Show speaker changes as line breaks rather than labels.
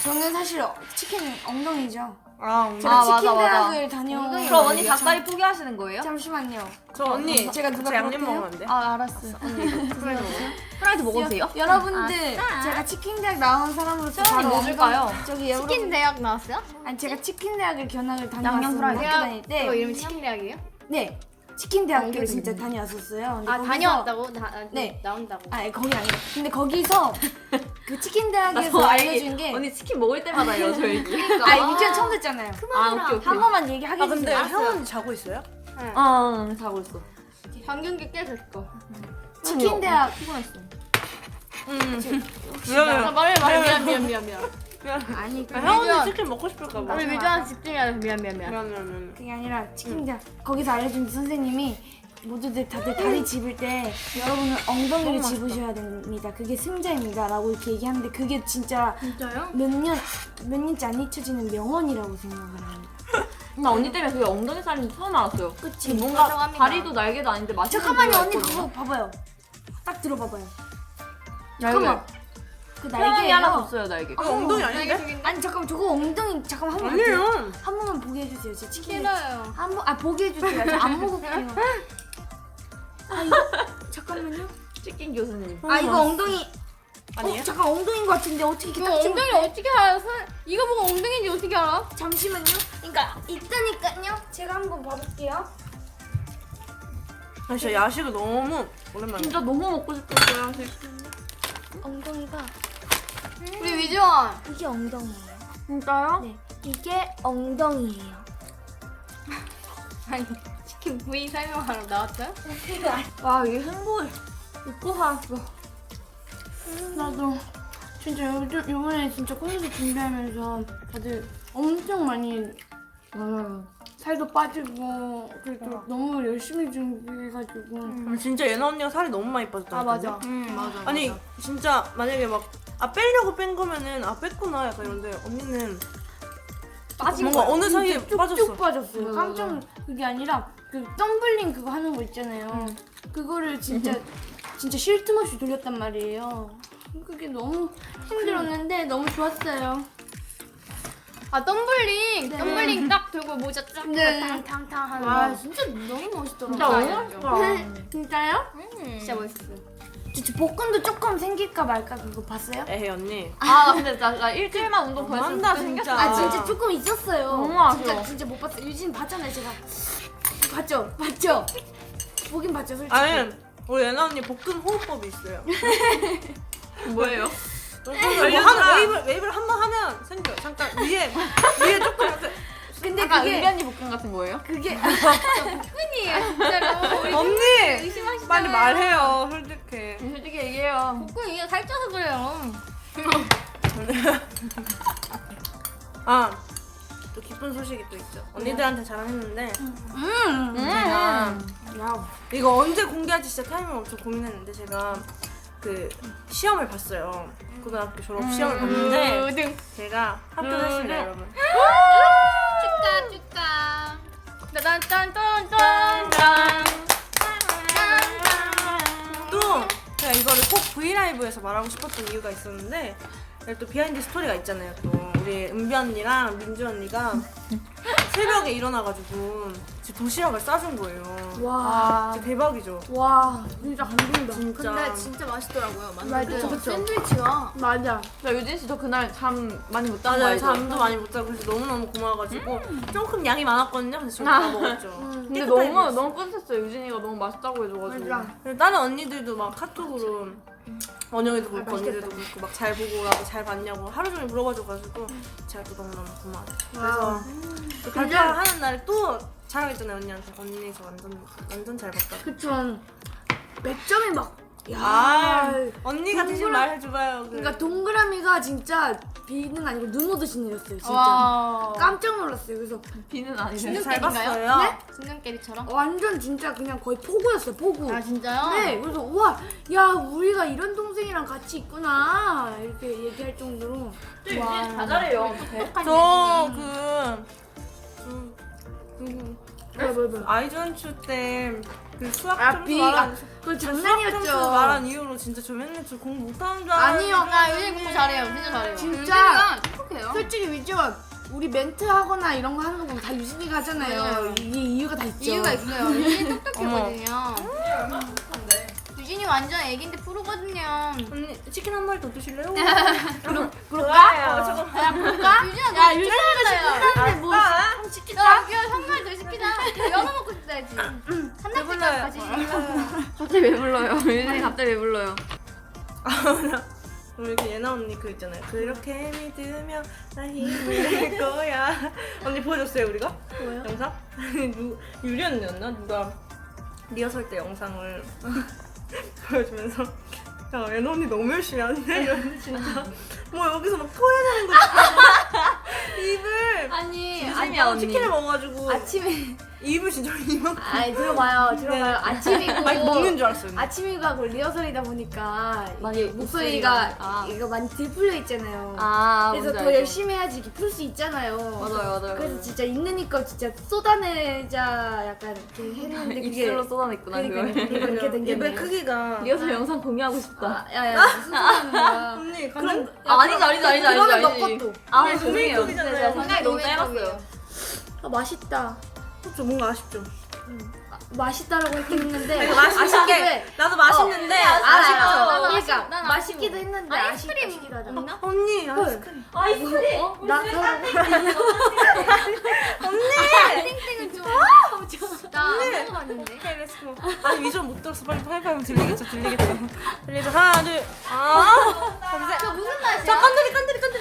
저는 사실 치킨 엉덩이죠.
아,
제가 치킨
맞아.
대학을 다녀온.
그럼 언니 닭다리 포기하시는 거예요?
잠시만요.
저 언니
제가 누가
저 양념
그렇대요?
먹으면 안 돼?
아 알았어. 언니 프라이드 먹어도 돼요?
여러분들 제가 치킨 대학 나온 사람으로서
시원이 뭐 줄까요?
저기
치킨
여러분
대학 나왔어요?
아니 제가 치킨 대학을 견학을
양념
다녀왔어요.
프라이드.
학교 다닐 때.
이거 이름이 치킨 대학이에요?
네. 치킨 대학교를 진짜 다녀왔었어요. 근데
아
거기서-
다녀왔다고?
네.
나온다고.
아니 거기 아니라. 근데 거기서 그 치킨 대학에서 알려준 게.
언니 치킨 먹을 때마다 요 저 얘기.
아 유치원 처음 듣잖아요.
아 오케이 오케이.
한 번만 얘기하게
아 근데
해주세요.
혜원 언니 자고 있어요?
아 자고 있어.
방경기 깨졌어.
치킨 대학
피곤했어.
미안해요.
말해 미안.
아니 그
혜원 언니 치킨 먹고 싶을까 봐.
우리 밀주한 집중해야 돼. 미안.
미안.
그게 아니라 치킨 대학 거기서 알려준 선생님이 모두들 다들 다리 집을 때 여러분은 엉덩이를 집으셔야 됩니다. 그게 승자입니다라고 이렇게 얘기하는데 그게 진짜요? 몇 년째 안 잊혀지는 명언이라고 생각을 합니다.
나 언니 때문에 그게 엉덩이 살인지 처음 알았어요.
그치?
뭔가
인정합니다.
다리도 날개도 아닌데 맛있는
잠깐만요
부위가
언니
있거든요.
그거 봐봐요. 딱 들어봐봐요.
날개.
잠깐만. 그
태양이
날개예요.
하나 줬어요 날개.
이거 엉덩이 아닌데?
아니 잠깐만 저거 엉덩이 잠깐만 한 번
아니에요.
한 번만 보게 해주세요. 제 치킨
싫어요.
한번 보게 해주세요. 저 안 먹을게요. 아 이거 잠깐만요.
치킨 교수님.
아 이거 엉덩이
아니에요?
잠깐 엉덩이인 것 같은데 어떻게 이렇게
이거
딱
엉덩이
찍으면 돼?
어떻게 알아? 이거 보고 엉덩이인지 어떻게 알아?
잠시만요. 그러니까 있다니까요. 제가 한번 봐볼게요.
아 진짜 야식을 너무 오랜만에.
진짜 너무 먹고 싶었어요.
엉덩이가
우리 위주원.
이게 엉덩이에요.
진짜요?
네, 이게 엉덩이에요.
아니 치킨 부위 설명하러 나왔어요?
와 이게 행복해. 웃고 살았어.
나도 진짜 요번에 진짜 콘서트 준비하면서 다들 엄청 많이 살도 빠지고 그래도 너무 열심히 준비해가지고
진짜 예나 언니가 살이 너무 많이 빠졌다.
아 맞아.
맞아.
아니 진짜 만약에 막 빼려고 뺀 거면은 뺐구나 약간 이런데 언니는
빠진
뭔가
거야.
어느 사이에
쭉쭉
빠졌어.
빠졌어요.
맞아,
깜짝 그게 아니라 그 덤블링 그거 하는 거 있잖아요. 그거를 진짜 쉴 틈 없이 돌렸단 말이에요. 그게 너무 힘들었는데 너무 좋았어요.
아 덤블링.
네.
덤블링 딱 들고 모자 쫙
네.
탕탕탕 하는
와
거.
진짜 너무 멋있더라고요.
진짜 너무 맛있다.
진짜요?
진짜 멋있어.
저 볶음도 조금 생길까 말까 그거 봤어요?
에헤 언니.
나 근데 나 일주일만 운동 더 했으면
너무한다,
그때
진짜.
아 진짜 조금 있었어요.
너무 아쉬워.
진짜 못 봤어요. 유진 봤잖아요 제가. 봤죠? 보긴 봤죠 솔직히.
아니 우리 예나 언니 볶음 호흡법이 있어요.
뭐예요?
뭐 하는 웨이브를 한 번 하면 생겨. 잠깐 위에 조금 이렇게.
근데
약간
그게
은변이 볶음 같은 거예요?
그게
끈이에요 진짜로.
언니
의심하시잖아요.
빨리 말해요 솔직히.
솔직히 얘기해요.
볶음 이게 살쪄서 그래요.
또 기쁜 소식이 또 있죠. 언니들한테 자랑했는데
야.
이거 언제 공개할지 진짜 타이밍 엄청 고민했는데 제가 그 시험을 봤어요. 고등학교 졸업 시험을 봤는데
우등.
제가 합격했습니다 여러분.
축하. 딴딴딴딴딴.
또 제가 이거를 꼭 브이라이브에서 말하고 싶었던 이유가 있었는데 또 비하인드 스토리가 있잖아요. 또 우리 은비 언니랑 민주 언니가 새벽에 일어나가지고 지금 도시락을 싸준 거예요.
와.
진짜 대박이죠.
와 진짜 감동이다.
진짜.
근데 진짜 맛있더라고요.
맞아.
그쵸.
샌드위치가.
맞아.
나 유진 씨도 그날 잠 많이 못 잔 거
맞아요.
알죠?
잠도 많이 못 자고 그래서 너무너무 고마워가지고 조금 양이 많았거든요. 그래서 저다 먹었죠.
근데
깨끗하게 먹었어요.
너무 뿌듯했어요. 유진이가 너무 맛있다고 해줘가지고.
맞아.
그리고 다른 언니들도 막 카톡으로 원영이도 그렇고 언니들도 그렇고 막 잘 보고 오라고 잘 봤냐고 하루 종일 물어봐줘가지고 제가 또 너무너무 고마웠죠. 그래서 또 발표하는 날에 또 자랑했잖아요 언니한테. 언니 저 완전 잘 봤다.
그쵸. 몇 점이 막. 야.
언니가 대신 말해줘봐요.
그러니까 동그라미가 진짜 비는 아니고 눈 오듯이 내렸어요 진짜.
와.
깜짝 놀랐어요. 그래서
비는 아니네.
진짜 잘
캔인가요?
봤어요.
네?
진경깨리처럼?
완전 진짜 그냥 거의 포구였어요 포구.
아 진짜요?
네, 그래서 우와, 야 우리가 이런 동생이랑 같이 있구나 이렇게 얘기할 정도로.
유진 다 잘해요. 어떡해?
뭐.
아이전추 때 그 수학
아
점수
비가
말한
그
수학 점수
장난이었죠.
말한 이유로 진짜 저 맨날 저 공부 못하는 줄 알았는데
아니요.
나 요즘 공부 잘해요. 진짜 잘해요.
진짜.
똑똑해요.
솔직히 위지원 우리 멘트 하거나 이런 거 하는 거 보면 다 유진이가 하잖아요. 이게 이유가 다 있죠.
이유가 있어요. 유진이 똑똑했거든요. 유진이 완전 애기인데 프로거든요.
언니 치킨 한 마리 더 드실래요?
그럴까?
잠깐.
유진아
야
너
유진이가 시켰는데 뭐 한번 시키자.
야, 한마리 더 시키자. 연어 먹고 싶다야지. 한달치기 같이
갑자기 왜 불러요? 유진이 갑자기 왜 불러요?
우리 그 예나 언니 그 있잖아요. 그렇게 믿으면 나 힘이 될 거야. 언니 보여줬어요 우리가?
뭐요?
영상? 유리 언니였나? 누가 리허설 때 영상을 보여주면서 야 예나 언니 너무 열심히 하네 이러는데 진짜 뭐 여기서 막 토해야 되는 거지. 입을
아니
유진이야 언니.
치킨을 먹어가지고
아침에
입을 진짜 이만큼
아니 들어봐요. 아침이고
막 먹는 줄 알았어요.
아침이가 그 리허설이다 보니까
많이
이게 목소리가
아.
이거 많이 들풀려 있잖아요.
아
그래서
뭔지
더
알죠.
열심히 해야지 이렇게 풀 수 있잖아요.
맞아요.
그래서 진짜 있는 이거 진짜 쏟아내자 약간 이렇게 했는데 그게
입술로 쏟아냈구나
그러니까
그걸.
이렇게 된 게.
입의 크기가
리허설 영상 공유하고 싶다.
야야 무슨 소리 하는 거야?
언니 그럼
아니지.
그러면 너 것도.
아
네,
죄송해요.
도메이크업이잖아요.
제가 생각이 너무
도메이크업이에요.
짧았어요.
아, 맛있다.
좀 뭔가 아쉽죠.
맛있다라고 했긴 했는데
이거 맛있게
해.
나도 맛있는데
알아요.
아쉽죠.
그러니까
난
맛있기도 했는데
아이스크림
아쉽기도 하잖아.
없나?
언니 아이스크림.
아이스크림.
나
땡땡은 좀. 나안 먹어봤는데.
오케이 렛츠고. 아니 위전 못 들었어. 빨리 하이파이브 들리겠죠. 들리죠. 하나 둘. 아.
그 무슨 맛이야?
자 깐들이